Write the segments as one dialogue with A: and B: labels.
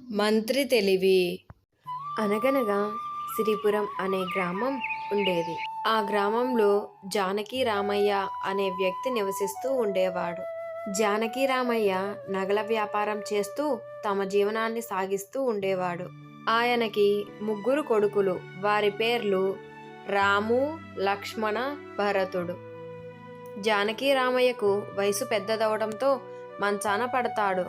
A: మంత్రి తెలివి.
B: అనగనగా సిరిపురం అనే గ్రామం ఉండేది. ఆ గ్రామంలో జానకి రామయ్య అనే వ్యక్తి నివసిస్తూ ఉండేవాడు. జానకి రామయ్య నగల వ్యాపారం చేస్తూ తమ జీవనాన్ని సాగిస్తూ ఉండేవాడు. ఆయనకి ముగ్గురు కొడుకులు. వారి పేర్లు రాము, లక్ష్మణ, భరతుడు. జానకి రామయ్యకు వయసు పెద్దదవడంతో మంచాన పడతాడు.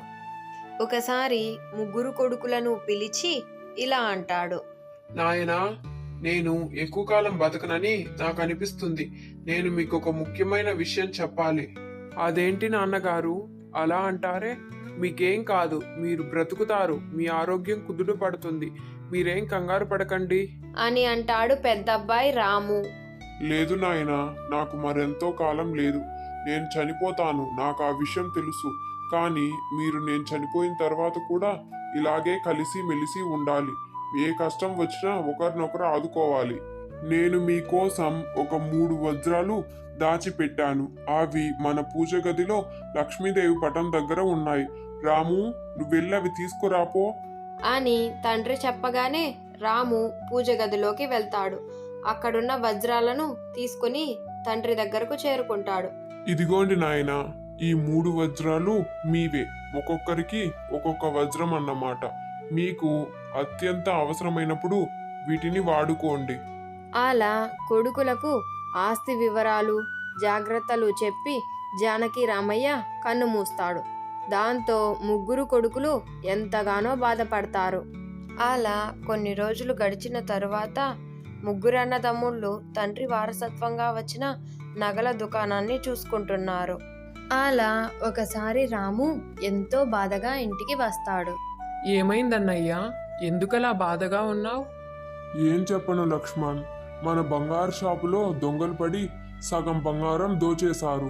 B: ఒకసారి ముగ్గురు కొడుకులను పిలిచి ఇలా అంటాడు.
C: నాయనా, నేను ఎక్కువ కాలం బతకనని నాకు అనిపిస్తుంది. నేను మీకు ఒక ముఖ్యమైన విషయం చెప్పాలి. అదేంటి నాన్నగారు అలా అంటారే? మీకేం కాదు, మీరు బ్రతుకుతారు. మీ ఆరోగ్యం కుదుట పడుతుంది. మీరేం కంగారు పడకండి
B: అని అంటాడు పెద్దబ్బాయి రాము.
D: లేదు నాయనా, నాకు మరెంతో కాలం లేదు. నేను చనిపోతాను, నాకు ఆ విషయం తెలుసు. కానీ మీరు నేను చనిపోయిన తర్వాత కూడా ఇలాగే కలిసి మెలిసి ఉండాలి. ఏ కష్టం వచ్చినా ఒకరినొకరు ఆదుకోవాలి. నేను మీకోసం ఒక 3 వజ్రాలు దాచిపెట్టాను. అవి మన పూజ గదిలో లక్ష్మీదేవి పటం దగ్గర ఉన్నాయి. రాము, నువ్వెళ్ళి అవి తీసుకురాపో
B: అని తండ్రి చెప్పగానే రాము పూజ గదిలోకి వెళ్తాడు. అక్కడున్న వజ్రాలను తీసుకుని తండ్రి దగ్గరకు చేరుకుంటాడు.
D: ఇదిగోండి నాయనా, ఈ 3 వజ్రాలు మీవే. ఒక్కొక్కరికి ఒక్కొక్క వజ్రం అన్నమాట. మీకు అత్యంత అవసరమైనప్పుడు వీటిని వాడుకోండి.
B: అలా కొడుకులకు ఆస్తి వివరాలు, జాగ్రత్తలు చెప్పి జానకి రామయ్య కన్ను మూస్తాడు. దాంతో ముగ్గురు కొడుకులు ఎంతగానో బాధపడతారు. అలా కొన్ని రోజులు గడిచిన తరువాత ముగ్గురు అన్నదమ్ముళ్ళు తండ్రి వారసత్వంగా వచ్చిన నగల దుకాణాన్ని చూసుకుంటున్నారు. అలా ఒకసారి రాము ఎంతో బాధగా ఇంటికి వస్తాడు.
C: ఏమైందన్నయ్యా? ఎందుకలా బాధగా ఉన్నావు?
D: ఏం చెప్పను లక్ష్మణ్, మన బంగారు షాపులో దొంగలు పడి సగం బంగారం దోచేశారు.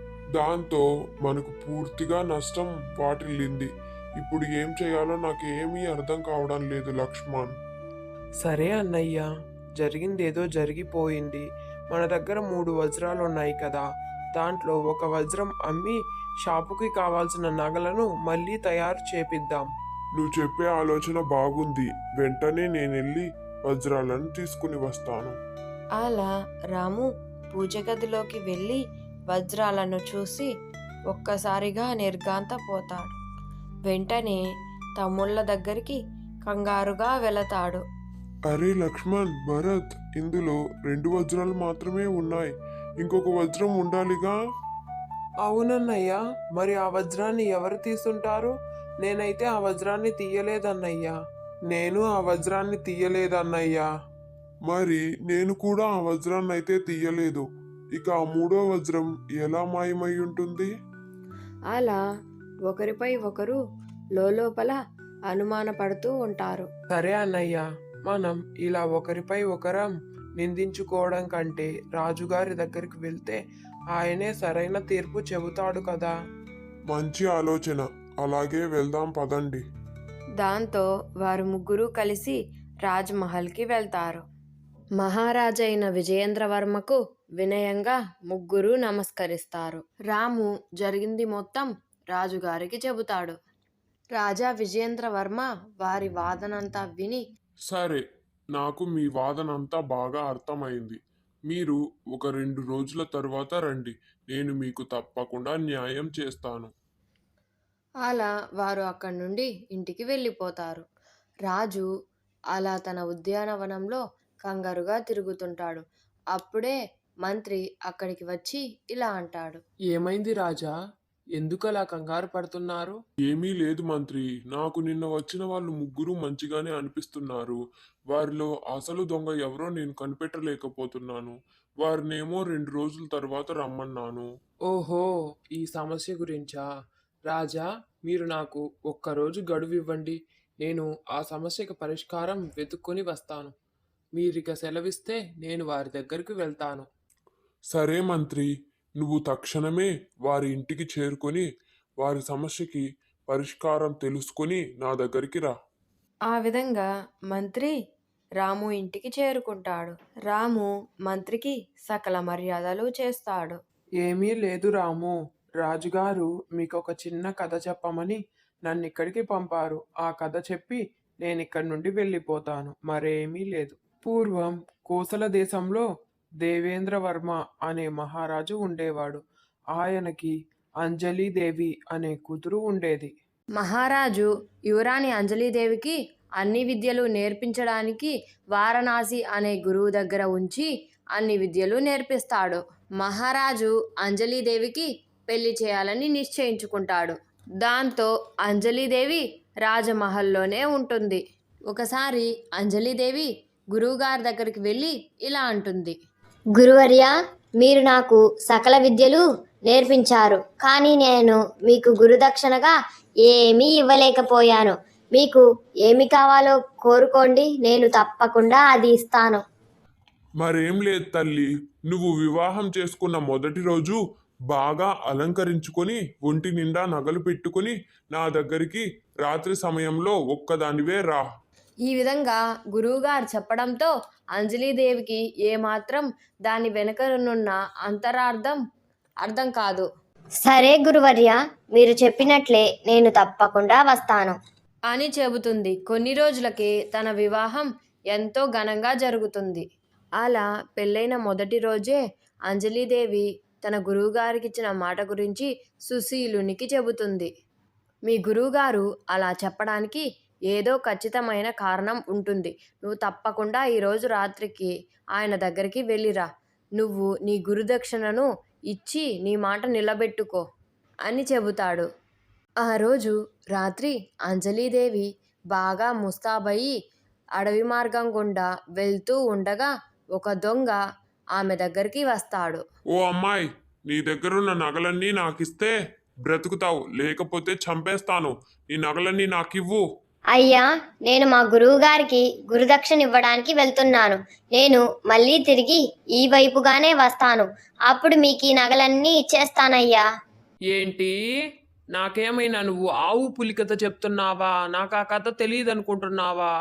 D: దాంతో మనకు పూర్తిగా నష్టం వాటిల్లింది. ఇప్పుడు ఏం చేయాలో నాకు ఏమీ అర్థం కావడం లేదు లక్ష్మణ్.
C: సరే అన్నయ్య, జరిగిందేదో జరిగిపోయింది. మన దగ్గర 3 వజ్రాలు ఉన్నాయి కదా, దాంట్లో ఒక వజ్రం అమ్మి షాపుకి కావాల్సిన నగలను మళ్ళీ తయారు చేపిద్దాం.
D: నువ్వు చెప్పే ఆలోచన బాగుంది. వెంటనే నేనెళ్ళి వజ్రాలను తీసుకుని వస్తాను.
B: అలా రాము పూజ గదిలోకి వెళ్ళి వజ్రాలను చూసి ఒక్కసారిగా నిర్ఘాంతపోతాడు. వెంటనే తమ్ముళ్ళ దగ్గరికి కంగారుగా వెళతాడు.
D: అరే లక్ష్మణ్, భరత్, ఇందులో 2 వజ్రాలు మాత్రమే ఉన్నాయి. ఇంకొక వజ్రం ఉండాలిగా.
C: అవునన్నయ్య, మరి ఆ వజ్రాన్ని ఎవరు తీసుంటారు? నేనైతే ఆ వజ్రాన్ని తీయలేదన్నయ్యా. నేను ఆ వజ్రాన్ని తీయలేదన్నయ్యా.
D: మరి నేను కూడా ఆ వజ్రాన్ని అయితే తీయలేదు. ఇక ఆ 3వ వజ్రం ఎలా మాయమై ఉంటుంది?
B: అలా ఒకరిపై ఒకరు లోపల అనుమానపడుతూ ఉంటారు.
C: సరే అన్నయ్య, మనం ఇలా ఒకరిపై ఒకరం నిందించుకోవడం కంటే రాజుగారి దగ్గరికి వెళ్తే ఆయనే సరైన తీర్పు చెబుతాడు కదా.
D: మంచి ఆలోచన. అలాగే వెళ్దాం పదండి.
B: దాంతో వారు ముగ్గురు కలిసి రాజ్మహల్కి వెళ్తారు. మహారాజైన విజయేంద్రవర్మకు వినయంగా ముగ్గురు నమస్కరిస్తారు. రాము జరిగింది మొత్తం రాజుగారికి చెబుతాడు. రాజా విజయేంద్రవర్మ వారి వాదనంతా విని,
D: సరే, నాకు మీ వాదనంతా బాగా అర్థమైంది. మీరు ఒక 2 రోజుల తరువాత రండి. నేను మీకు తప్పకుండా న్యాయం చేస్తాను.
B: అలా వారు అక్కడి నుండి ఇంటికి వెళ్ళిపోతారు. రాజు అలా తన ఉద్యానవనంలో కంగారుగా తిరుగుతుంటాడు. అప్పుడే మంత్రి అక్కడికి వచ్చి ఇలా అంటాడు.
C: ఏమైంది రాజా? ఎందుకలా కంగారు పడుతున్నారు?
D: ఏమీ లేదు మంత్రి. నాకు నిన్న వచ్చిన వాళ్ళు ముగ్గురు మంచిగానే అనిపిస్తున్నారు. వారిలో అసలు దొంగ ఎవరో నేను కనిపెట్టలేకపోతున్నాను. వారినేమో 2 రోజుల తర్వాత రమ్మన్నాను.
C: ఓహో, ఈ సమస్య గురించా? రాజా, మీరు నాకు ఒక్కరోజు గడువు ఇవ్వండి. నేను ఆ సమస్యకు పరిష్కారం వెతుక్కొని వస్తాను. మీరిక సెలవిస్తే నేను వారి దగ్గరికి వెళ్తాను.
D: సరే మంత్రి, నువ్వు తక్షణమే వారి ఇంటికి చేరుకొని వారి సమస్యకి పరిష్కారం తెలుసుకొని నా దగ్గరికి రా.
B: ఆ విధంగా మంత్రి రాము ఇంటికి చేరుకుంటాడు. రాము మంత్రికి సకల మర్యాదలు చేస్తాడు.
C: ఏమీ లేదు రాము. రాజుగారు మీకు ఒక చిన్న కథ చెప్పమని నన్ను ఇక్కడికి పంపారు. ఆ కథ చెప్పి నేను ఇక్కడి నుండి వెళ్ళిపోతాను. మరేమీ లేదు. పూర్వం కోసల దేశంలో దేవేంద్రవర్మ అనే మహారాజు ఉండేవాడు. ఆయనకి అంజలీదేవి అనే కూతురు ఉండేది.
B: మహారాజు యువరాణి అంజలీదేవికి అన్ని విద్యలు నేర్పించడానికి వారణాసి అనే గురువు దగ్గర ఉంచి అన్ని విద్యలు నేర్పిస్తాడు. మహారాజు అంజలీదేవికి పెళ్లి చేయాలని నిశ్చయించుకుంటాడు. దాంతో అంజలీదేవి రాజమహల్లోనే ఉంటుంది. ఒకసారి అంజలీదేవి గురువుగారి దగ్గరికి వెళ్ళి ఇలా అంటుంది.
A: గురువర్య, మీరు నాకు సకల విద్యలు నేర్పించారు, కానీ నేను మీకు గురుదక్షిణగా ఏమీ ఇవ్వలేకపోయాను. మీకు ఏమి కావాలో కోరుకోండి, నేను తప్పకుండా అది ఇస్తాను.
D: మరేం లేదు తల్లి, నువ్వు వివాహం చేసుకున్న మొదటి రోజు బాగా అలంకరించుకొని ఒంటి నిండా నగలు పెట్టుకొని నా దగ్గరికి రాత్రి సమయంలో ఒక్కదానివే రా.
B: ఈ విధంగా గురువుగారు చెప్పడంతో అంజలీదేవికి ఏమాత్రం దాని వెనుకనున్న అర్థం కాదు.
A: సరే గురువర్య, మీరు చెప్పినట్లే నేను తప్పకుండా వస్తాను
B: అని చెబుతుంది. కొన్ని రోజులకే తన వివాహం ఎంతో ఘనంగా జరుగుతుంది. అలా పెళ్ళైన మొదటి రోజే అంజలీదేవి తన గురువుగారికి ఇచ్చిన మాట గురించి సుశీలునికి చెబుతుంది. మీ గురువుగారు అలా చెప్పడానికి ఏదో ఖచ్చితమైన కారణం ఉంటుంది. నువ్వు తప్పకుండా ఈరోజు రాత్రికి ఆయన దగ్గరికి వెళ్ళిరా. నువ్వు నీ గురుదక్షిణను ఇచ్చి నీ మాట నిలబెట్టుకో అని చెబుతాడు. ఆ రోజు రాత్రి అంజలీదేవి బాగా ముస్తాబయ్యి అడవి మార్గం గుండా వెళ్తూ ఉండగా ఒక దొంగ ఆమె దగ్గరికి వస్తాడు.
D: ఓ అమ్మాయి, నీ దగ్గరున్న నగలన్నీ నాకిస్తే బ్రతుకుతావు, లేకపోతే చంపేస్తాను. నీ నగలన్నీ నాకివ్వు.
A: అయ్యా, నేను మా గురువు గారికి గురుదక్షిణ ఇవ్వడానికి వెళ్తున్నాను. నేను మళ్ళీ తిరిగి ఈ వైపుగానే వస్తాను. అప్పుడు మీకు ఈ నగలన్నీ ఇచ్చేస్తానయ్యా.
C: ఏంటి? నాకేమైనా నువ్వు ఆవు పులి కథ చెప్తున్నావా? నాకు ఆ కథ తెలియదు అనుకుంటున్నావా?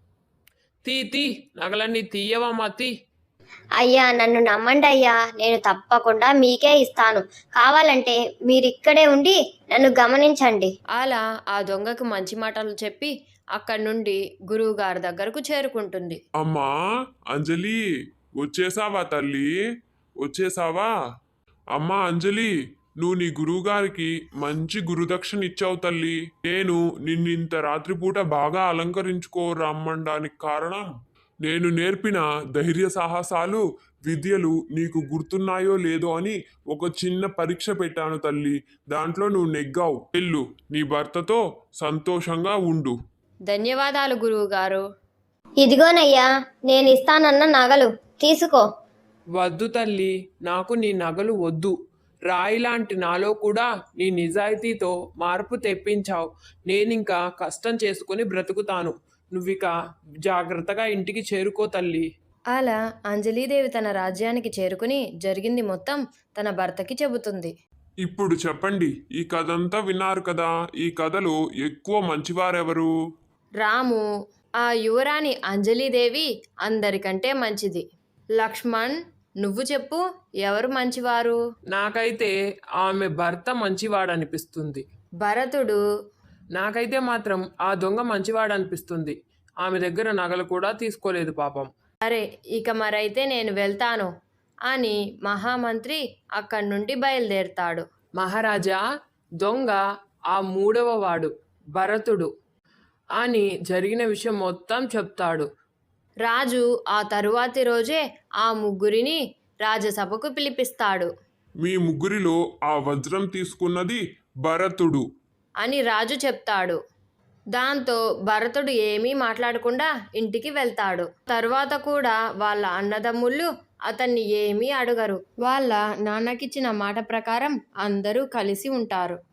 C: తీ నగలన్నీ తీయవమ్మా, తీ.
A: అయ్యా, నన్ను నమ్మండి అయ్యా, నేను తప్పకుండా మీకే ఇస్తాను. కావాలంటే మీరు ఇక్కడే ఉండి నన్ను గమనించండి.
B: అలా ఆ దొంగకు మంచి మాటలు చెప్పి అక్కడి నుండి గురువు గారి దగ్గరకు చేరుకుంటుంది.
D: అమ్మా అంజలి, వచ్చేసావా తల్లి? వచ్చేసావా? అమ్మా అంజలి, నువ్వు నీ గురువుగారికి మంచి గురుదక్షిణ ఇచ్చావు తల్లి. నేను నిన్నింత రాత్రిపూట బాగా అలంకరించుకో రమ్మడానికి కారణం, నేను నేర్పిన ధైర్య సాహసాలు విద్యలు నీకు గుర్తున్నాయో లేదో అని ఒక చిన్న పరీక్ష పెట్టాను తల్లి. దాంట్లో నువ్వు నెగ్గావు. వెళ్ళు, నీ భర్తతో సంతోషంగా ఉండు.
B: ధన్యవాదాలు గురువు గారు.
A: ఇదిగోనయ్యా, నేను ఇస్తానన్న నగలు తీసుకో.
C: వద్దు తల్లి, నాకు నీ నగలు వద్దు. రాయిలాంటి నాలో కూడా నీ నిజాయితీతో మార్పు తెప్పించావు. నేనింకా కష్టం చేసుకుని బ్రతుకుతాను. నువ్విక జాగ్రత్తగా ఇంటికి చేరుకో తల్లి.
B: అలా అంజలీదేవి తన రాజ్యానికి చేరుకుని జరిగింది మొత్తం తన భర్తకి చెబుతుంది.
D: ఇప్పుడు చెప్పండి, ఈ కథంతా విన్నారు కదా, ఈ కథలో ఎక్కువ మంచివారెవరు?
B: రాము. ఆ యువరాణి అంజలీదేవి అందరికంటే మంచిది. లక్ష్మణ్, నువ్వు చెప్పు, ఎవరు మంచివారు?
C: నాకైతే ఆమె భర్త మంచివాడనిపిస్తుంది.
B: భరతుడు.
C: నాకైతే మాత్రం ఆ దొంగ మంచివాడనిపిస్తుంది. ఆమె దగ్గర నగలు కూడా తీసుకోలేదు పాపం.
B: సరే, ఇక మరైతే నేను వెళ్తాను అని మహామంత్రి అక్కడి నుండి బయలుదేరుతాడు.
C: మహారాజా, దొంగ ఆ మూడవ వాడు భరతుడు అని జరిగిన విషయం మొత్తం చెప్తాడు.
B: రాజు ఆ తరువాతి రోజే ఆ ముగ్గురిని రాజసభకు పిలిపిస్తాడు.
D: మీ ముగ్గురిలో ఆ వజ్రం తీసుకున్నది భరతుడు
B: అని రాజు చెప్తాడు. దాంతో భరతుడు ఏమీ మాట్లాడకుండా ఇంటికి వెళ్తాడు. తర్వాత కూడా వాళ్ళ అన్నదమ్ముళ్ళు అతన్ని ఏమీ అడగరు. వాళ్ళ నాన్నకిచ్చిన మాట ప్రకారం అందరూ కలిసి ఉంటారు.